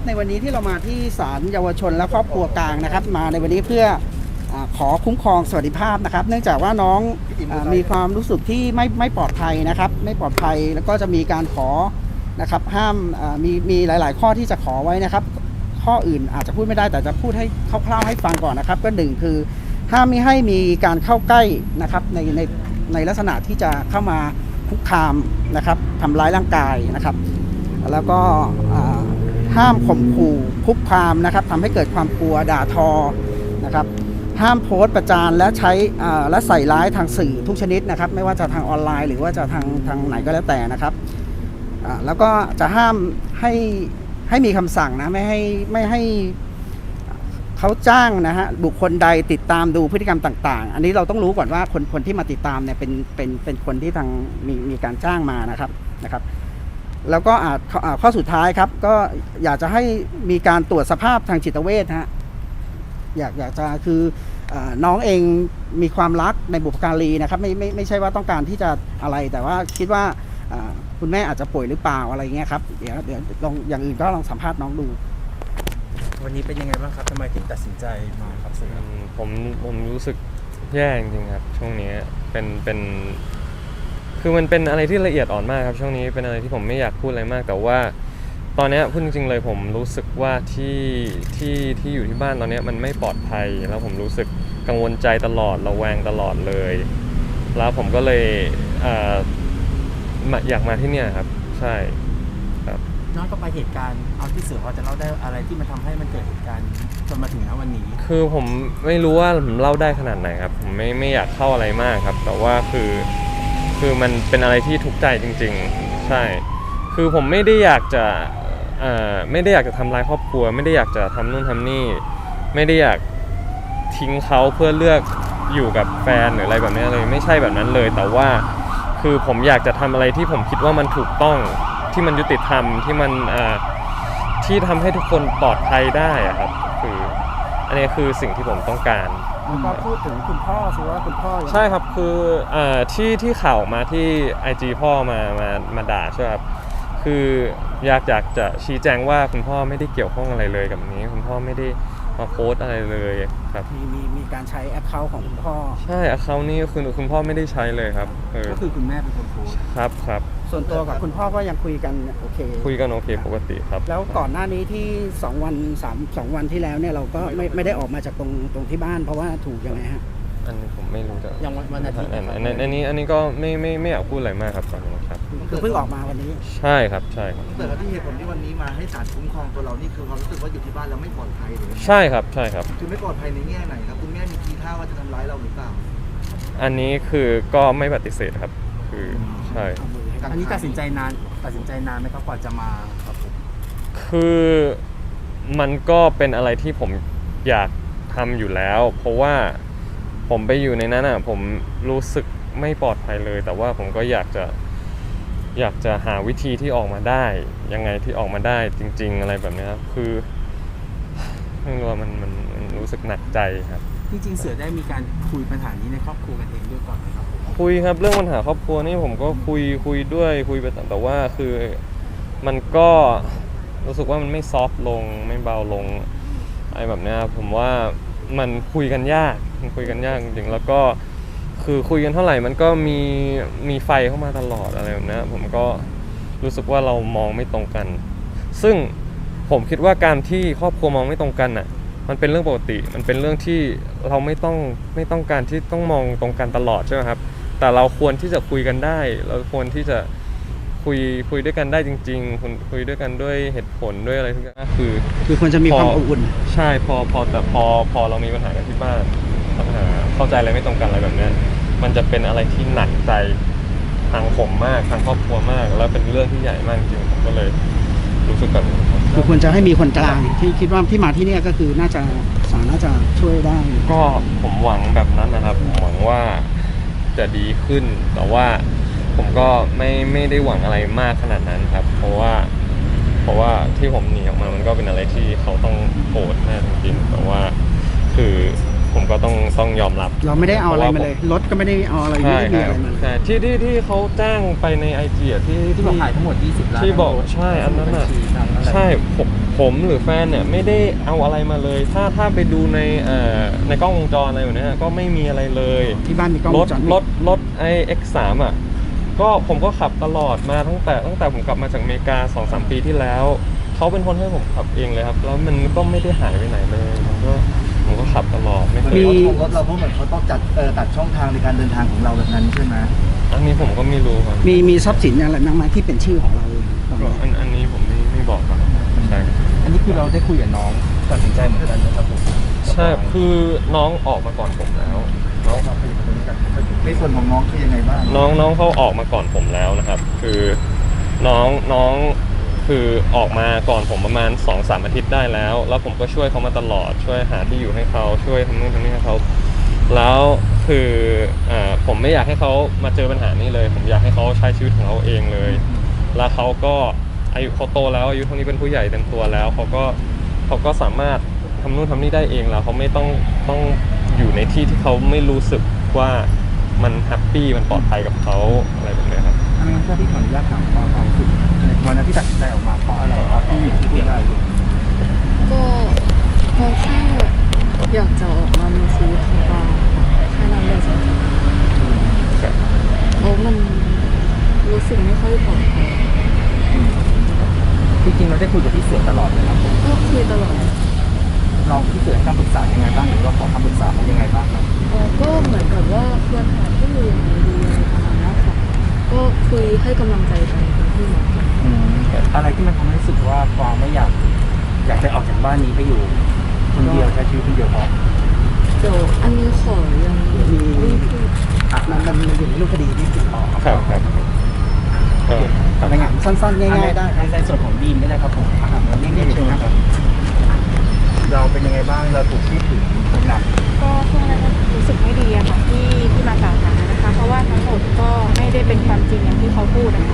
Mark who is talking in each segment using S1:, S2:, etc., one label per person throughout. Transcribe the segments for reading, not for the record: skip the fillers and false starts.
S1: ในวันนี้ที่เรามาที่ศาลเยาวชนและครอบครัวกลางนะครับมาในวันนี้เพื่อขอคุ้มครองสวัสดิภาพนะครับเนื่องจากว่าน้องมีความรู้สึกที่ไม่ปลอดภัยนะครับไม่ปลอดภัยแล้วก็จะมีการขอนะครับห้ามมีหลายๆข้อที่จะขอไว้นะครับข้ออื่นอาจจะพูดไม่ได้แต่จะพูดให้คร่าวๆให้ฟังก่อนนะครับก็หนึ่งคือห้ามไม่ให้มีการเข้าใกล้นะครับในลักษณะที่จะเข้ามาคุกคามนะครับทำร้ายร่างกายนะครับแล้วก็ห้ามข่มขู่คุกคามนะครับทำให้เกิดความกลัวด่าทอนะครับห้ามโพสต์ประจานและใช้และใส่ร้ายทางสื่อทุกชนิดนะครับไม่ว่าจะทางออนไลน์หรือว่าจะทางไหนก็แล้วแต่นะครับแล้วก็จะห้ามให้มีคำสั่งนะไม่ให้เขาจ้างนะฮะบุคคลใดติดตามดูพฤติกรรมต่างๆอันนี้เราต้องรู้ก่อนว่าคนที่มาติดตามเนี่ยเป็นคนที่ทางมีการจ้างมานะครับแล้วก็ข้อสุดท้ายครับก็อยากจะให้มีการตรวจสภาพทางจิตเวชฮะอยากจะคือน้องเองมีความรักในบุพการีนะครับไม่ใช่ว่าต้องการที่จะอะไรแต่ว่าคิดว่าคุณแม่อาจจะป่วยหรือเปล่าอะไรเงี้ยครับเดี๋ยวลองอย่างอื่นก็ลองสัมภาษณ์น้องดู
S2: วันนี้เป็นยังไงบ้างครับทำไมถึงตัดสินใจมาครับสื่อ
S3: ผมรู้สึกแย่จริงๆครับช่วงนี้เป็นคือมันเป็นอะไรที่ละเอียดอ่อนมากครับช่วงนี้เป็นอะไรที่ผมไม่อยากพูดอะไรมากแต่ว่าตอนนี้พูดจริงๆเลยผมรู้สึกว่าที่อยู่ที่บ้านตอนนี้มันไม่ปลอดภัยแล้วผมรู้สึกกังวลใจตลอดระแวงตลอดเลยแล้วผมก็เลยอยากมาที่เนี่ยครับใช่ครับ
S2: ย้อนกลับไปเหตุการณ์เอาที่สื่อพอจะเล่าได้อะไรที่มันทำให้มันเกิดเหตุการณ์จนมาถึงณวันนี้
S3: คือผมไม่รู้ว่าผมเล่าได้ขนาดไหนครับผมไม่อยากเข้าอะไรมากครับแต่ว่าคือมันเป็นอะไรที่ทุกข์ใจจริงๆใช่คือผมไม่ได้อยากจะทำร้ายครอบครัวไม่ได้อยากจะทำนู่นทำนี่ไม่ได้อยากทิ้งเขาเพื่อเลือกอยู่กับแฟนหรืออะไรแบบนี้เลยไม่ใช่แบบนั้นเลยแต่ว่าคือผมอยากจะทำอะไรที่ผมคิดว่ามันถูกต้องที่มันยุติธรรมที่มันที่ทำให้ทุกคนปลอดภัยได้อะครับคืออันนี้คือสิ่งที่ผมต้องการ
S1: แล้วก็พูดถึงคุณพ่อสิว่าคุณพ่อ
S3: ใช่ครับคือที่ข่าวมาที่ IG พ่อมาด่าใช่ไหมครับคืออยากจะชี้แจงว่าคุณพ่อไม่ได้เกี่ยวข้องอะไรเลยกับนี้คุณพ่อไม่ได้มาโพสต์อะไรเลยครับ
S1: มีการใช้แอคเคาท์ของคุณพ่อ
S3: ใช่แอคเคาท์นี้คือคุณพ่อไม่ได้ใช้เลยครับ
S2: ก็คือคุณแม่เป็นคนโพสต์
S3: ครับ
S1: ส่วนตัวกับคุณพ่อก็ยังคุยกันโอเค
S3: ปกติครับ
S1: แล้วก่อนหน้านี้ที่2 วันที่แล้วเนี่ยเราก็ไม่ได้ออกมาจากตรงที่บ้านเพราะว่าถูกยังไงฮะ
S3: อันนี้ผมไม่รู้จะ
S2: ยังวันอาทิตย์
S3: อันนี้ก็ไม่อยากพูดอะไรมากครับตอนนี้ครับ
S1: คือเพิ่งออกมาวันนี้
S3: ใช่ครับ
S4: แต่ที่เหตุผลที่วันนี้มาให้ศาลคุ้มครองตัวเรานี่คือความรู้สึกว่าอยู่ที่บ้านแล้วไม่ปลอดภัยหรือ
S3: ใช่ครับ
S4: คือไม่ปลอดภัยในแง่ไหนครับคุณแม่มีทีท่าว่าจะทำร้ายเราหรือเปล่า
S3: อันนี้คือก็ไม่ปฏิเสธครับคือใช่
S2: อันนี้ตัดสินใจนานไหมครับกว่าจะมาครับผม
S3: คือมันก็เป็นอะไรที่ผมอยากทำอยู่แล้วเพราะว่าผมไปอยู่ในนั้นผมรู้สึกไม่ปลอดภัยเลยแต่ว่าผมก็อยากจะหาวิธีที่ออกมาได้ยังไงที่ออกมาได้จริงๆอะไรแบบนี้ครับคือไม่รู้ว่ามันรู้สึกหนักใจครับ
S2: จริงๆเสือได้มีการคุยปัญหานี้ในครอบครัวกันเองด้วยก่อนไหมครับ
S3: คุยครับเรื่องปัญหาครอบครัวนี่ผมก็คุยด้วยคุยไปแต่ว่าคือมันก็รู้สึกว่ามันไม่ซอฟต์ลงไม่เบาลงอะไรแบบนี้ผมว่ามันคุยกันยากจริงๆแล้วก็คือคุยกันเท่าไหร่มันก็มีไฟเข้ามาตลอดอะไรแบบนี้ผมก็รู้สึกว่าเรามองไม่ตรงกันซึ่งผมคิดว่าการที่ครอบครัวมองไม่ตรงกันมันเป็นเรื่องปกติมันเป็นเรื่องที่เราไม่ต้องการที่ต้องมองตรงกันตลอดใช่ไหมครับแต่เราควรที่จะคุยกันได้เราควรที่จะคุยด้วยกันได้จริงๆคุยด้วยกันด้วยเหตุผลด้วยอะไรทุกอย่าง
S1: คือควรจะมีความอบอุ่น
S3: ใช่แต่พอเรามีปัญหากันที่บ้านปัญหาเข้าใจอะไรไม่ตรงกันอะไรแบบนี้มันจะเป็นอะไรที่หนักใจทางผมมากทางครอบครัวมากแล้วเป็นเรื่องที่ใหญ่มากจริงผมก็เลยรู้สึกแบบ
S1: คือควรจะให้มีคนกลางที่คิดว่าที่มาที่นี่ก็คือน่าจะช่วยได้
S3: ก็ผมหวังแบบนั้นนะครับผมหวังว่าจะดีขึ้นแต่ว่าผมก็ไม่ได้หวังอะไรมากขนาดนั้นครับเพราะว่าที่ผมหนีออกมามันก็เป็นอะไรที่เขาต้องโกรธแน่จริงๆแต่ว่าคือผมก็ต้องยอมรับ
S1: เราไม่ได้เอาอะไรมาเลยรถก็ไม่ได้เอาอะไรไม่
S3: ใช่
S1: ได้มี
S3: ค
S1: อะ
S3: รับ
S1: ไรมาเลย
S3: ใช่ที่เขาแจ้งไปในไอจีที่
S2: ที่บอกขายทั้งหมด20 ล้าน
S3: ที่บอกใช่อันนั้นอ่ะใช่ผมหรือแฟนเนี่ยไม่ได้เอาอะไรมาเลย ถ้าไปดูในกล้องวงจรอะไรแบบเนี้ยก็ไม่มีอะไรเลย
S1: ที่บ้านมีกล้อง
S3: ร
S1: ว
S3: ถ
S1: งจรปิด
S3: ไอ X3 อ่ะก็ผมก็ขับตลอดมาตั้งแต่ผมกลับมาจากอเมริกา 2-3 ปีที่แล้วเขาเป็นคนให้ผมขับเองเลยครับแล้วมันก็ไม่ได้หายไปไหนเลยผมก็ขับตลอดไม่เคย
S4: เขาทวงรถเราเพราะเหมือนเขาต้องตัดช่องทางในการเดินทางของเราแบบนั้นใช่ไหม
S3: อันนี้ผมก็ไม่รู้ครับ
S1: มีทรัพย์สินอะไรบ้างไหมที่เป็นชื่อของเราตอนนี้
S3: อันนี้ผมไม่บอกครับใช่ครับ
S2: อันนี้คือเราได้คุยกับน้องตัดสินใจเหมือนกันนะครับผม
S3: ใช่คือน้องออกมาก่อนผมแล้ว
S4: ในส่วนของน้องคือยังไงบ้าง
S3: น้องเขาออกมาก่อนผมแล้วนะครับ คือน้องคือออกมาก่อนผมประมาณ 2-3 อาทิตย์ได้แล้วผมก็ช่วยเขามาตลอดช่วยหาที่อยู่ให้เขาช่วยทำนู่นทำนี่ให้เขาแล้วคือผมไม่อยากให้เขามาเจอปัญหานี้เลย ผมอยากให้เขาใช้ชีวิตของเขาเองเลย แล้วเขาก็อายุเขาโตแล้วอายุเท่านี้เป็นผู้ใหญ่เต็มตัวแล้วเขาก็สามารถทำนู่นทำนี่ได้เองแล้วเขาไม่ต้องอยู่ในที่ที่เขาไม่รู้สึกว่ามันแฮปปี้มันปลอดภัยกับเขาอะไรแบบนี้ครับ
S2: อันนี้ก็ที่ขออนุญาตถามความรู้สึกในวันนั้นที่ตัดสินใจออกมาเพราะอะไรครับที่พูดได้
S5: ก็เพราะแค่อยากจะออกมามีชีวิตของเราแค่นั้นเลยจริงๆเพราะมันรู้สึกไม่ค่อยปลอดภัย
S2: จริงๆเราได้คุยกับพี่เสือตลอดเลยครับผม
S5: ก็คุยตลอด
S2: เราพี่เสือให้คำปรึกษายังไงบ้างหรือว่าขอคำปรึกษาเขายังไงบ้างครับ
S5: ก็เหมือนกับว่าควรหาที่อยู่อย่างไรดีอะไรประมาณนี้ค่ะก็คุยให้กำลังใจกันเป็นที่หมอกัน
S2: อะไรที่มันทำให้รู้สึกว่าฟางไม่อยากจะออกจากบ้านนี้ไปอยู่คนเดียวใช้ชีวิตคนเดียวพอ
S5: เดี๋ยวอันนี้ขอยังไม่พูด
S1: มันอยู่ในรูปคดีที่ติดต่อ
S3: ครับก็
S1: ในงานสั้นๆง่ายๆได้ครับ
S2: ในส่วนของดีมก็ได้ครับผมแล้วนี่เชิญครับเราเป็นยังไงบ้างเราถูกพูดถึงหนัก
S6: ก็ช่วงนั้นรู้สึกไม่ดีอะค่ะที่มากล่าวหานะคะ เพราะว่าทั้งหมดก็ไม่ได้เป็นความจริงอย่างที่เขาพูดนะคะ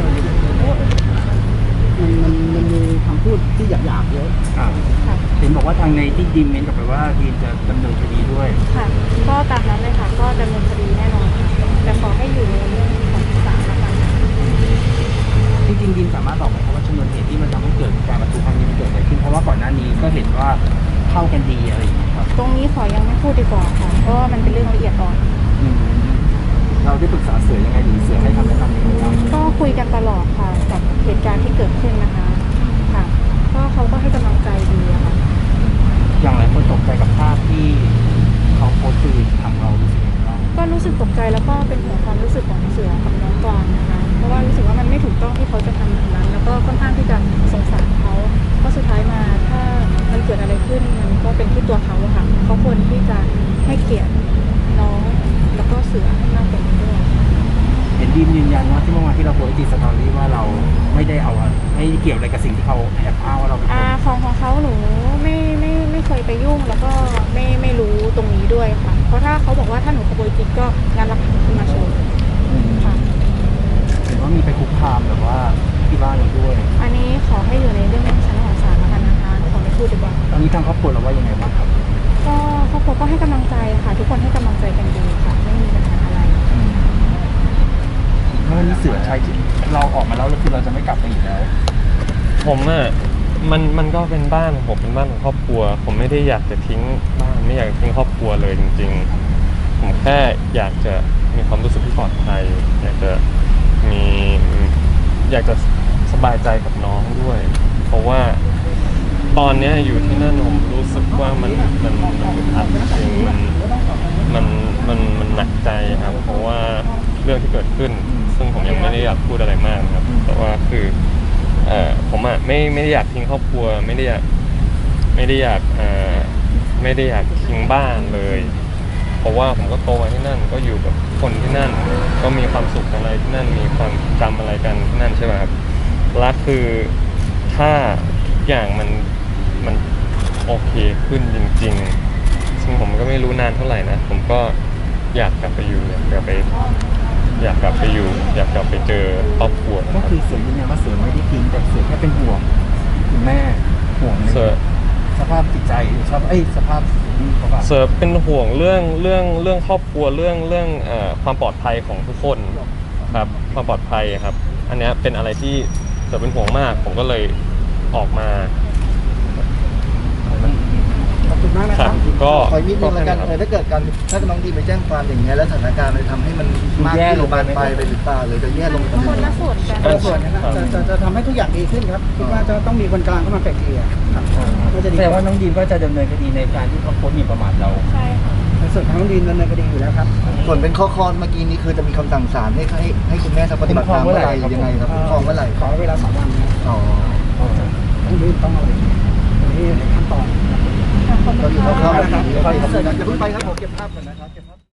S1: มันมีคำพูดที่หยาบๆเยอะ
S6: ค่ะ
S2: เห็นบอกว่าทางในที่ดีมเมนต์กลับไปว่าดีมจะดำเนินคดีด้วย
S6: ค่ะ ก็ตามนั้นเลยค่ะ ก็ดำเนินคดีแน่นอนค่ะแต่ขอให้อยู่ในเรื่องของศาลละกัน
S2: จริงๆดีมสามารถบอกไหมครับว่าชนวนเหตุที่มันทำให้เกิดการประทุครั้งนี้มันเกิดอะไรขึ้นเพราะว่าก่อนหน้านี้ก็เห็นว่าเข้ากันดีอะไรอย่างเงี้ยครับ
S6: ตรงนี้ขอยังไม่พูดดีกว่าค่ะ เพราะว่ามันเป็นเรื่องละเอียดอ่อน
S2: เราได้ปรึกษาเสือยังไงหรือเสือให้คำแนะนำยังไงบ้าง
S6: ก็คุยกันตลอดค่ะกับเหตุการณ์ที่เกิดขึ้นนะคะ ค่ะ ก็เขาก็ให้กำลังใจดีอะค่ะ
S2: อย่างหลายคนตกใจกับภาพที่เขาโพสต์คือทางเรารู้สึกยังไงบ้าง
S6: ก็รู้สึกตกใจแล้วก็เป็นห่วงความรู้สึกของเสือกับน้องกวางนะคะ เพราะว่ารู้สึกว่ามันไม่ถูกต้องที่เขาจะทำแบบนั้น แล้วก็ค่อนข้างที่จะสงสารเขาเพราะสุดท้ายมาถ้ามันเกิดอะไรขึ้นมันก็เป็นที่ตัวเขาอะค่ะเขาควรที่จะให้เกียรติน้องแล้วก็เสือให้มากกว่านี้ด้วย
S2: เห็นดีมยืนยันว่าที่เมื่อวานที่เราโพสต์ในสตอรี่ว่าเราไม่ได้เอาไม่เกี่ยวอะไรกับสิ่งที่เขาแอบอ้างว่าเราเป็นคน
S6: ของเขาหนูไม่เคยไปยุ่งแล้วก็ไม่รู้ตรงนี้ด้วยค่ะ เพราะถ้าเขาบอกว่าถ้าหนูขโมยจริงก็งานรับขึ้นมาโชว์ค่ะ
S2: เห็นว่ามีไปคุกคามแบบว่าที่บ้านเราด้วย
S6: อันนี้ขอให้อยู่ในเรื่องชั้นของศาลแล้วกันนะคะขอไม่พูดดีกว่า
S2: ตอนนี้ทางครอบครัวเราว่ายังไงบ้างครับ
S6: ก็ครอบครัวก็ให้กำลังใจค่ะ ทุกคนให้กำลังใจกันดีค่ะ ไม่มีปัญหาอะไร
S2: เมื่อนี้เสือใช้เราออกมาแล้วคือเราจะไม่กลับไปอีกแล้ว
S3: ผมมันก็เป็นบ้านของผมเป็นบ้านของครอบครัว ผมไม่ได้อยากจะทิ้งบ้านไม่อยากทิ้งครอบครัวเลยจริงๆผมแค่อยากจะมีความรู้สึกที่ปลอดภัยอยากจะสบายใจกับน้องด้วย เพราะว่าตอนเนี้ยอยู่ที่นั่นผมรู้สึกว่ามันอึดอัดจริงมันหนักใจครับเพราะว่าเรื่องที่เกิดขึ้น ซึ่งผมยังไม่ได้อยากพูดอะไรมากนะครับแต่ว่าคือผมไม่ได้อยากทิ้งครอบครัวไม่ได้อยากทิ้งบ้านเลย เพราะว่าผมก็โตมาที่นั่นก็อยู่กับคนที่นั่น ก็มีความสุขอะไรที่นั่นมีความจำอะไรกันที่นั่นใช่ไหมครับและคือถ้าทุกอย่างมันโอเคขึ้นจริงๆซึ่งผมก็ไม่รู้นานเท่าไหร่นะผมก็อยากกลับไปอยู่อยากกลับไปเจอครอบครัวนะ
S2: ก็
S3: ครับ
S2: คือเสือยืนยันว่าเสือไม่ได้ทิ้งแต่เสือแค่เป็นห่วงคุณแม่ห่วงใน
S3: เสือ
S2: สภภาพจิตใจสภาพเขาแบบ
S3: เสิร์ฟเป็นห่วงเรื่องครอบครัวเรื่องความปลอดภัยของทุกคนครับความปลอดภัยครับ อันเนี้ยเป็นอะไรที่เสิร์ฟเป็นห่วงมาก ผมก็เลยออกมา
S1: ขอบคุณมากนะ
S3: ค
S1: ค
S3: รั
S1: รั
S3: บบ ก็
S4: ขออีกนิดนึงแล้วกัน
S3: ครับ
S4: ถ้าเกิดการถ้าน้องดีไปแจ้งความอย่างเงี้ยแล้วสถานการณ์มันทำให้มันมากขึ้นหรือบานปลายไปหรือเปล่าหรือจะแย่ลงไป
S6: คนละส่วนกัน
S1: คนละส่วนนะครับจะทำให้ทุกอย่างดีขึ้นครับคิดว่าจะต้องมีคนกลางเข้ามาไกลเกลี่ยครับก็จะดี
S2: แสดงว่าน้องดีมก็จะดำเนินคดีในการที่เขาโพสต์หมิ่นประมาทเรา
S6: ใช่ค่ะ
S1: ในส่วนของน้องดินดำเนินคดีอยู่แล้วครับ
S4: ส่วนเป็นข้อเมื่อกี้นี้คือจะมีคำสั่งศาลให้คุณแม่ทำปฏิบัติตามเมื่อไหร่หรือยังไงครับคุ้มครองเมื่อไหร่
S1: ขอเวลา3 วันนะ
S4: อ๋อ
S1: ต้องรีบต้องเอาอันนี้ขั้นตอน
S6: ขอบคุณ
S4: เราอยู่
S6: ค่ะ
S4: คร่าวๆแบบนี้อย่าเพิ่งไปครับผมเก็บภาพก่อนนะครับ